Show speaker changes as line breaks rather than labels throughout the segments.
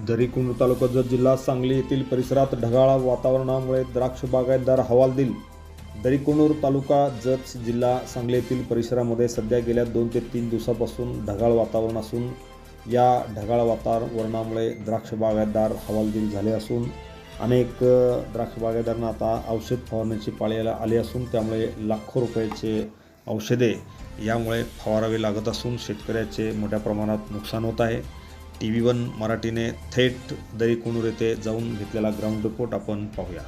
दरीकुंड तालुका जत जिल्हा सांगली येथील परिसरात ढगाळ वातावरणामुळे द्राक्ष बागायतदार हवालदिल। दरीकुंड तालुका जत जिल्हा सांगली येथील परिसरामध्ये सध्या गेल्या 2 ते 3 दिवसांपासून ढगाळ वातावरण असून या ढगाळ वातावरणामुळे द्राक्ष बागायतदार हवालदिल झाले असून अनेक द्राक्ष बागायतदारांना आता औषध फवारण्याची पाळी आली असून त्यामुळे लाखो रुपयाचे औषधे यामुळे फवारावे लागत असून शेतकऱ्याचे मोठ्या प्रमाणात नुकसान होत आहे। TV1 मराठीने थेट दरीकुंड येथे जाऊन घेतलेला ग्राउंड रिपोर्ट आपण पाहूया।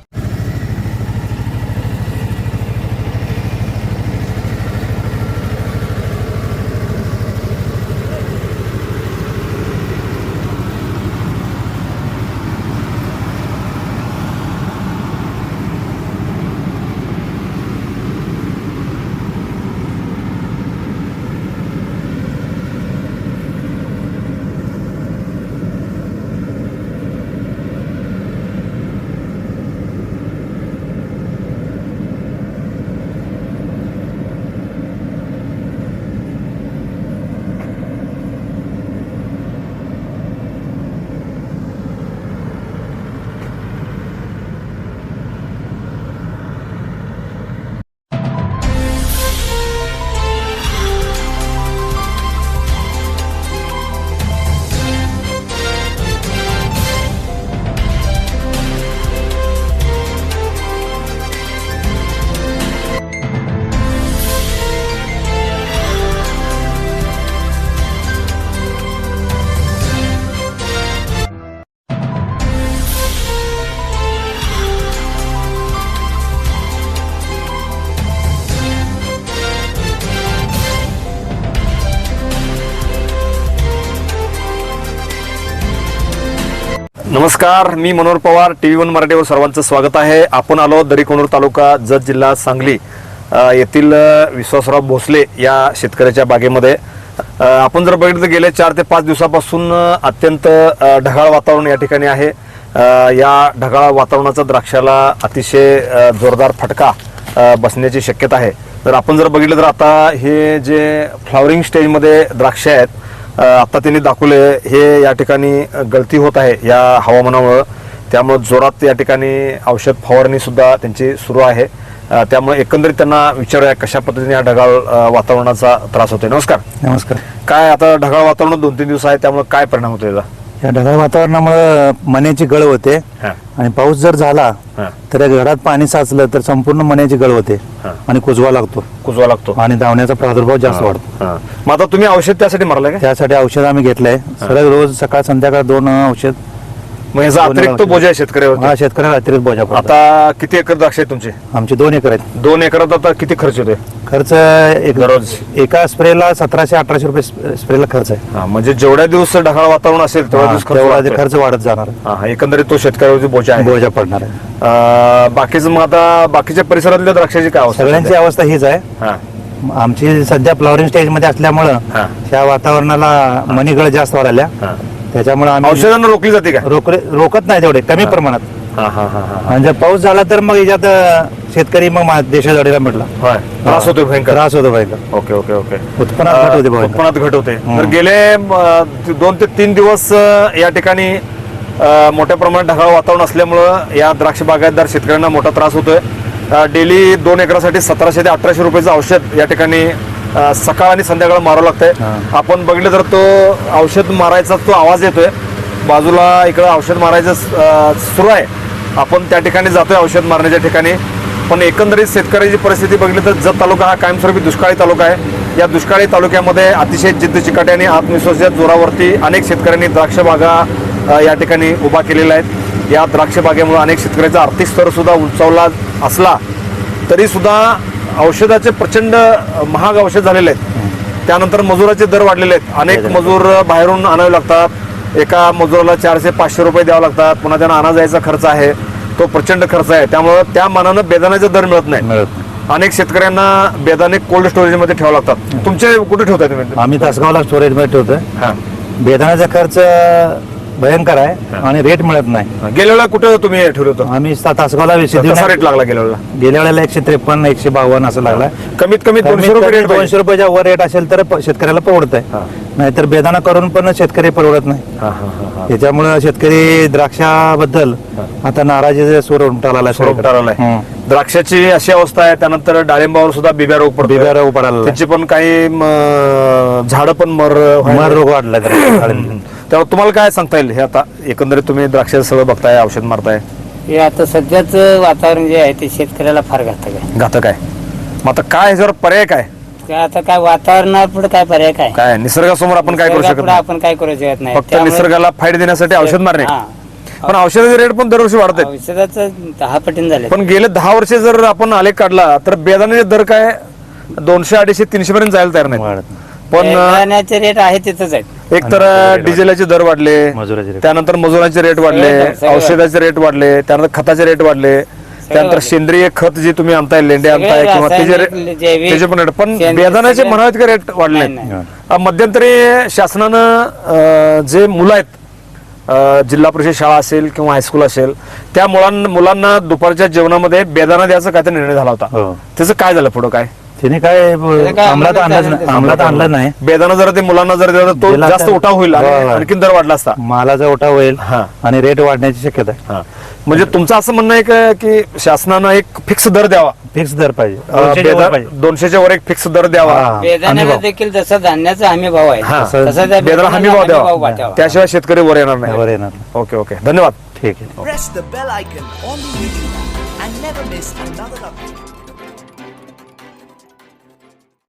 नमस्कार, मी मनोहर पवार, TV1 मराठीवर सर्वांचं स्वागत आहे। आपण आलो दरीकुंड तालुका जत जिल्हा सांगली येथील विश्वासराव भोसले या शेतकऱ्याच्या बागेमध्ये। आपण जर बघितलं गेले 4 ते 5 दिवसापासून अत्यंत ढगाळ वातावरण या ठिकाणी आहे। या ढगाळ वातावरणाचा द्राक्षाला अतिशय जोरदार फटका बसण्याची शक्यता आहे। तर आपण जर बघितलं तर आता हे जे फ्लॉवरिंग स्टेजमध्ये द्राक्ष आहेत आता त्यांनी दाखवले हे या ठिकाणी गळती होत आहे या हवामानामुळे, त्यामुळे जोरात या ठिकाणी औषध फवारणी सुद्धा त्यांची सुरू आहे। त्यामुळे एकंदरीत त्यांना विचारूया कशा पद्धतीने या ढगाळ वातावरणाचा त्रास होतोय। नमस्कार।
नमस्कार।
काय आता ढगाळ वातावरण 2-3 दिवस आहे त्यामुळे काय परिणाम होतो याचा?
या ढगाळ वातावरणामुळे मण्याची गळ होते आणि पाऊस जर झाला तर या घरात पाणी साचलं तर संपूर्ण मण्याची गळ होते आणि कुजवा लागतो आणि धावण्याचा प्रादुर्भाव जास्त वाढतो।
मग आता तुम्ही औषध त्यासाठी मारलंय का?
त्यासाठी औषध आम्ही घेतलंय सरळ रोज सकाळ संध्याकाळ 2 औषध।
मग याचा अतिरिक्त बोजा आहे शेतकऱ्यावर?
हा, शेतकऱ्याला अतिरिक्त बोजा पडतो।
आता किती एकर द्राक्ष आहेत तुमचे?
आमचे 2 एकर आहेत।
2 एकरात आता किती खर्च होतोय?
खर्च
दररोज
एका स्प्रेला 1700-1800 रुपये स्प्रेला खर्च आहे।
म्हणजे जेवढ्या दिवस ढगाळ वातावरण असेल तेवढ्या दिवस
खर्च वाढत जाणार।
एकंदरीत तो शेतकऱ्यावरची बोजा
पडणार आहे।
बाकीचं मग आता बाकीच्या परिसरातल्या द्राक्षाची काय अवस्था?
सगळ्यांची अवस्था हीच आहे। आमची सध्या फ्लॉवरिंग स्टेज मध्ये असल्यामुळं त्या वातावरणाला मणीगळ जास्त वाढल्या, त्याच्यामुळे आम्ही
औषधांना रोखली जाते का?
रोकत नाही तेवढे, कमी प्रमाणात। आणि जर पाऊस झाला तर मग याच्यात शेतकरी मग देशाजवळीला म्हटला
त्रास होतो
भयंकर।
Okay okay okay.
उत्पन्नात
घट होते। तर गेले 2 ते 3 दिवस या ठिकाणी मोठ्या प्रमाणात ढगाळ वातावरण असल्यामुळं या द्राक्ष बागायतदार शेतकऱ्यांना मोठा त्रास होतोय। डेली 2 एकरासाठी 1700 ते 1800 रुपयाचं औषध या ठिकाणी सकाळ आणि संध्याकाळ मारावं लागतंय। आपण बघितलं तर तो औषध मारायचा तो आवाज येतोय, बाजूला इकडं औषध मारायचं सुरू आहे। आपण त्या ठिकाणी जातोय औषध मारण्याच्या ठिकाणी, पण एकंदरीत शेतकऱ्याची परिस्थिती बघितली तर जत तालुका हा कायमस्वरूपी दुष्काळी तालुका आहे। या दुष्काळी तालुक्यामध्ये अतिशय जिद्द चिकाटी आणि आत्मविश्वासाच्या जोरावरती अनेक शेतकऱ्यांनी द्राक्ष बागा या ठिकाणी उभा केलेल्या आहेत। या द्राक्ष बागेमुळे अनेक शेतकऱ्याचा आर्थिक स्तर सुद्धा उंचावला असला तरी सुद्धा औषधाचे प्रचंड महाग औषध झालेले आहेत। त्यानंतर मजुराचे दर वाढलेले आहेत। अनेक मजूर बाहेरून आणावे लागतात, एका मजुराला 400-500 रुपये द्यावे लागतात, पुन्हा त्यांना आणा जायचा खर्च आहे, तो प्रचंड खर्च आहे। त्यामुळे त्या मानानं बेदाण्याचा दर मिळत नाही। अनेक शेतकऱ्यांना बेदाणे कोल्ड स्टोरेज मध्ये ठेवावं लागतात। तुमचे कुठे ठेवताय तुम्ही?
आम्ही तासगावला स्टोरेज मध्ये ठेवतोय। बेदाण्याचा खर्च भयंकर आहे आणि रेट मिळत नाही.
गेल्या वेळेला कुठे तुम्ही ठेवलं होतं?
आम्ही तासगावला
कसा रेट लागला गेल्या वेळेला?
गेल्या वेळेला 153 152 असं लागला.
कमीत कमी 200 रुपये रेट
200 रुपयाच्या वर रेट असेल तर शेतकऱ्याला परवडत आहे, नाहीतर बेदाना करून पण शेतकरी परवडत नाही. त्याच्यामुळे शेतकरी द्राक्षाबद्दल आता नाराजीचा सूर उमटाला
द्राक्षाची अशी अवस्था आहे. त्यानंतर डाळिंबावर सुद्धा बिब्या रोग पडतो.
बिब्या रोग पडायला
त्याची पण काही झाड पण
मर रोग वाढला.
तेव्हा तुम्हाला काय सांगता येईल? हे आता एकंदरीत तुम्ही द्राक्षाचं सगळं बघताय, औषध मारताय,
हे आता सध्याच वातावरण जे आहे ते शेतकऱ्याला फार घातक आहे.
घातक आहे. मग आता काय ह्याच्यावर पर्याय काय?
काय आता काय वातावरणापुढे काय पर्याय काय?
काय निसर्गासमोर आपण काय करू शकत
निसर्गापुढे
नाही?
आपण काय करू शकत नाही.
फक्त
त्यामुळे
निसर्गाला फाईट देण्यासाठी औषध मारणे.
हा.
पण औषधाचे रेट पण दरवर्षी वाढत आहेत.
औषधाचं 10 पटीने झाले.
पण गेले 10 वर्ष जर आपण आलेख काढला तर बेदाण्याचे दर काय 200 250 300 पर्यंत जायला तयार नाही. पण
बेदाण्याचे रेट आहे तिथंच आहेत.
एक तर डिझेलाचे दर वाढले,
मजुराचे rate.
त्यानंतर मजुरांचे रेट वाढले,
सगळं.
औषधाचे रेट वाढले, त्यानंतर खताचे रेट वाढले, त्यानंतर
वाढले.
सेंद्रिय खत जे तुम्ही आणताय, लेंडे
सगळे
आणताय किंवा
रासायनिक, जैविक,
त्याचे पण रेट. पण
सेंद्रिय
बेदाण्याचे
सगळे-
म्हणावेत का रेट वाढले?
नाही,
मध्यंतरी शासनानं जे मुलं आहेत, जिल्हा परिषद शाळा असेल किंवा हायस्कूल असेल, त्या मुलांना दुपारच्या जेवणामध्ये बेदाणा द्यायचा काय निर्णय झाला होता.
हो.
त्याचं काय झालं पुढं? काय
तिने काय अंमलात आणलं नाही.
बेदाणा जर ते मुलांना जर दिला तर तो
दिला
जास्त
तर-
उठाव होईल आणि
हो, हो.
आणखीन दर वाढला असता.
मालाचा ओटा होईल
हा.
आणि रेट वाढण्याची शक्यता आहे.
हा. म्हणजे तुमचं असं म्हणणं आहे का की शासनानं एक फिक्स दर द्यावा,
फिक्स दर पाहिजे, 200 वर पाहिजे.
200च्या वर एक फिक्स दर द्यावा.
हा.
बेदाण्याला
हमीभाव.
देखील जसा धान्याचा हमी भाव आहे
हा.
तसा त्या
बेदाणा हमी भाव द्यावा,
वाटावा.
त्याशिवाय शेतकरी वर येणार नाही.
वर येणार.
ओके ओके, धन्यवाद.
ठीक आहे.
Press the bell icon on the YouTube and never miss another update.